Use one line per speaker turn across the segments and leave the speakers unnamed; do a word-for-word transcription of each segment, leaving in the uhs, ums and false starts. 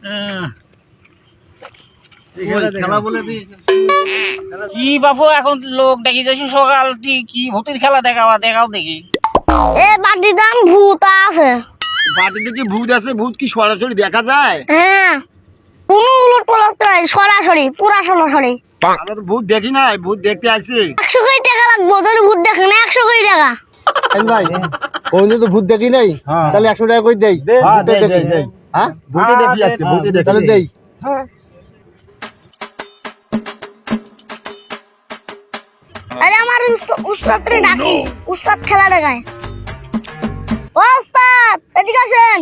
কি বাপু এখন লোক দেখি যাচ্ছি সকাল কি ভূতের খেলা দেখাবা দেখাও দেখি।
এ বাড়ির দাম ভূত আছে।
বাড়িতে কি ভূত আছে? ভূত কি সরাসরি দেখা যায়?
হ্যাঁ, কোনো উলট পালট নাই, সরাসরি পুরা সরাসরি।
আমরা তো ভূত দেখি নাই, ভূত দেখতে আসছি।
একশো কোটি টাকা লাগবো যদি ভূত দেখে না। একশো কোটি টাকা
ভাই ওই তো ভূত দেখি নাই, তাহলে একশো টাকা করে দেই। হ্যাঁ
ভূতে দেখি আজকে, ভূতে দেখি
তাহলে দেই।
আরে আমার উস্তাদ রে ডাকি, উস্তাদ খেলা দেখায়। ও উস্তাদ এদিকে আসেন।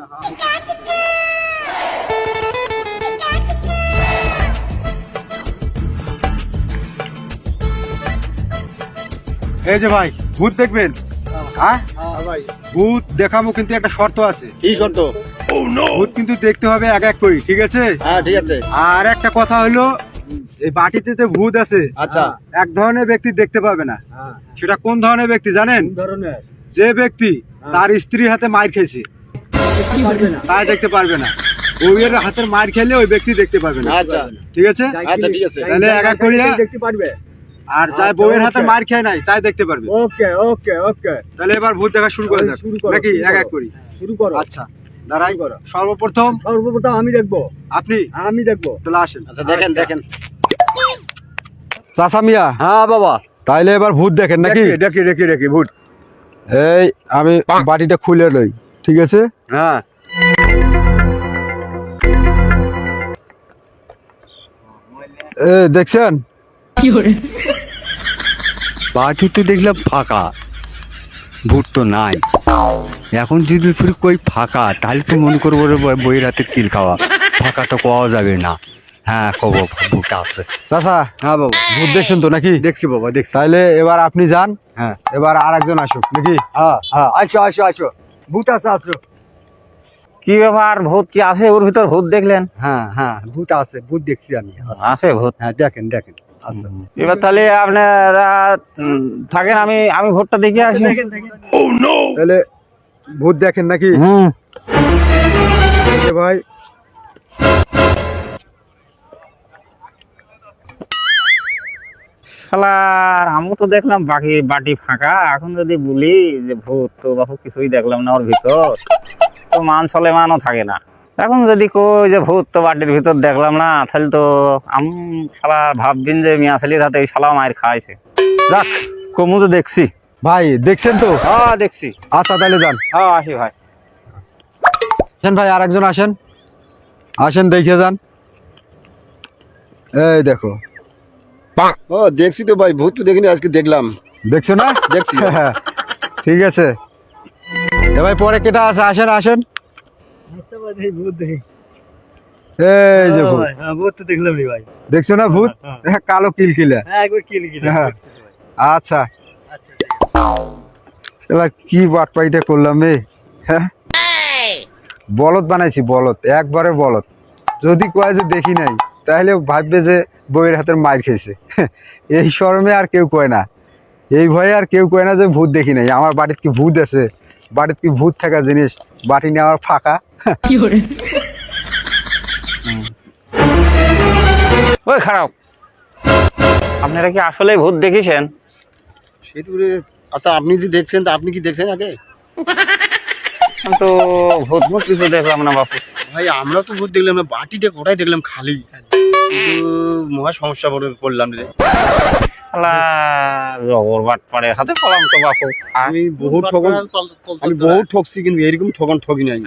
এই যে ভাই ভূত দেখবেন? হ্যাঁ
ভাই,
ভূত দেখাবো, কিন্তু একটা শর্ত আছে।
কি শর্ত?
ভূত কিন্তু দেখতে হবে এক এক করে, ঠিক আছে?
হ্যাঁ ঠিক আছে।
আর একটা কথা হলো, এই বাটিতে যে ভূত আছে,
আচ্ছা,
এক ধরনের ব্যক্তি দেখতে পাবে না। সেটা কোন ধরনের ব্যক্তি জানেন?
ধরনের
যে ব্যক্তি তার স্ত্রীর হাতে মার খেয়েছে তাই দেখতে পারবে না। বউয়ের হাতের মার খেলে ওই ব্যক্তি দেখতে পারবে না।
আচ্ছা
ঠিক আছে?
আচ্ছা ঠিক আছে।
তাহলে এক এক করিয়া
দেখতে পারবে।
আর যাই বউয়ের হাতে মার খেয়ে নাই তাই দেখতে পারবে।
ওকে ওকে ওকে,
তাহলে এবার ভূত দেখা শুরু করে যাক
শুরু করো,
নাকি?
শুরু
এক
করো।
এক করি।
শুরু করো।
আচ্ছা দাঁড়াই।
করো।
সর্বপ্রথম
সর্বপ্রথম আমি দেখবো।
আপনি
আমি দেখবো।
তাহলে আসেন।
আচ্ছা দেখেন দেখেন।
চাচা মিয়া,
হ্যাঁ বাবা,
তাইলে এবার ভূত দেখেন নাকি?
দেখি দেখি দেখি ভূত।
এই আমি বাটিটা খুলে লই, ঠিক আছে?
হ্যাঁ
এ দেখছেন?
বাটি তো দেখলাম ফাঁকা, ভূত তো নাই। এখন যদি ফির কই ফাঁকা, তাহলে তো মনে করবো রে বইয়ের হাতে কিল খাওয়া। ফাঁকা তো পাওয়া যাবে না। হ্যাঁ কব ভূত আছে।
চাচা
হ্যাঁ বাবা,
ভূত দেখছেন তো নাকি?
দেখছি বাবা দেখছি।
তাইলে এবার আপনি যান,
হ্যাঁ
এবার আর একজন আসুক নাকি?
হ্যাঁ হ্যাঁ, আসো আসো আসো, ভূত আছে আসো।
কি ব্যাপার, ভূত কি আছে ওর ভিতর? ভূত দেখলেন?
হ্যাঁ হ্যাঁ ভূত আছে, ভূত দেখছি আমি।
আছে ভূত?
হ্যাঁ দেখেন দেখেন আছে।
এবার তাহলে আপনারা উম, থাকেন, আমি আমি ভূতটা দেখে আসি।
তাহলে ভূত দেখেন নাকি?
হুম,
এই যে ভাই,
শালার আমি তো দেখলাম বাকি বাটি ফাঁকা। এখন যদি বলি যে ভূত, তো বাপু কিছুই দেখলাম না ওর ভিতর, তো মান চলে মানও থাকে না। এখন যদি কই যে ভূত তো বাটির ভিতর দেখলাম না, তাহলে তো আম শালা ভাববেন যে মিয়া ছেলের হাতে ওই শালা মায়ের খাওয়াইছে। যাক, কমু তো দেখছি।
ভাই দেখছেন তো?
হ্যাঁ দেখছি।
আচ্ছা তাহলে যান।
হ্যাঁ আসি ভাই।
আসেন ভাই, আর একজন আসেন, আসেন দেখে যান। এই দেখো।
ও দেখছি তো ভাই, ভূত তো দেখিনি, আজকে দেখলাম।
দেখছো না?
দেখছি।
ঠিক আছে। এ ভাই পরে কেটা আছে, আসেন আসেন। এই যে ভূত,
ভূত তো দেখলাম রে ভাই।
দেখছো না ভূত? কালো কিলকিলা।
হ্যাঁ একবার কিল কিল।
হ্যাঁ। আচ্ছা এবার কি বাটপাইটা করলাম রে? হ্যাঁ, বলদ বানাইছি, বলদ, একবারে বলদ। যদি কয় যে দেখি নাই, তাহলে ভাববে যে বউয়ের হাতের মার খেয়েছে। এই শরমে আর কেউ কয় না, এই ভয়ে আর কেউ কয় না যে ভূত দেখি নাই। আমার বাড়িতে কি ভূত আছে? বাড়িতে কি ভূত থাকা জিনিস? বাটি নিয়ে আমার ফাঁকা।
ওই খারাপ, আপনারা কি আসলে ভূত দেখেছেন?
সেতুরে আচ্ছা, আপনি যে দেখছেন, তা আপনি কি দেখছেন আগে?
আমি তো ভূত ভূত কিছু দেখলাম না বাপু।
ভাই আমরা তো ভূত দেখলাম না, বাটিটা কোটাই দেখলাম খালি। কিন্তু মহা সমস্যা পড়লাম রে।
শালা জগর বাটপাড়ের হাতে পড়লাম তো বাপু।
আমি বহুত ঠকন, আমি বহুত ঠকছি, কিন্তু এরকম ঠকন ঠকি নাই।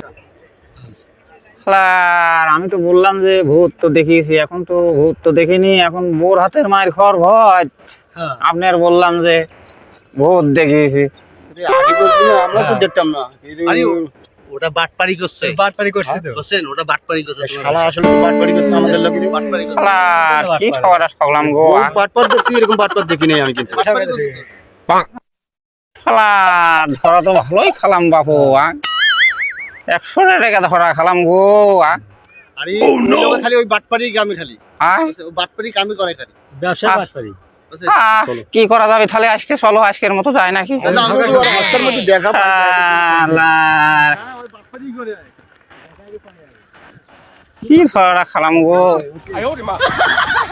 শালার আমি তো বললাম যে ভূত তো দেখিয়েছি, এখন তো ভূত তো দেখিনি, এখন বোর হাতের মায়ের খড় ভয়। আপনার বললাম যে ভূত দেখিয়েছি।
আগে বলছি না, আমরা তো দেখতাম না।
ওটা বাটপারি করছে,
বাটপারি করছে তো।
বুঝছেন? ওটা বাটপারি করছে।
শালা আসলে তো বাটপারি করছে আমাদের লোকে।
বাটপারি করছে।
শালার কি ঠগটা ঠগলাম গো।
বহুত বাটপার দেখছি, এরকম বাটপার দেখি নাই আমি কিন্তু।
শালার ধরা তো ভালোই খালাম বাপু। একশো টাকা ধরা খালাম গো।
আরে ওই লোকে খালি ওই বাটপারি কামে খালি।
আয়
ও বাটপারি কামে করে খালি।
ব্যবসা বাটপারি।
বুঝছেন?
আহ, কি করা যাবে তাহলে? আজকে চলো, আজকের মতো যায় নাকি?
তাহলে আমরা তো
রাস্তার মধ্যে দেখা পাই।
শালার
ওই বাটপারি করে।
কি ধরা খালাম গো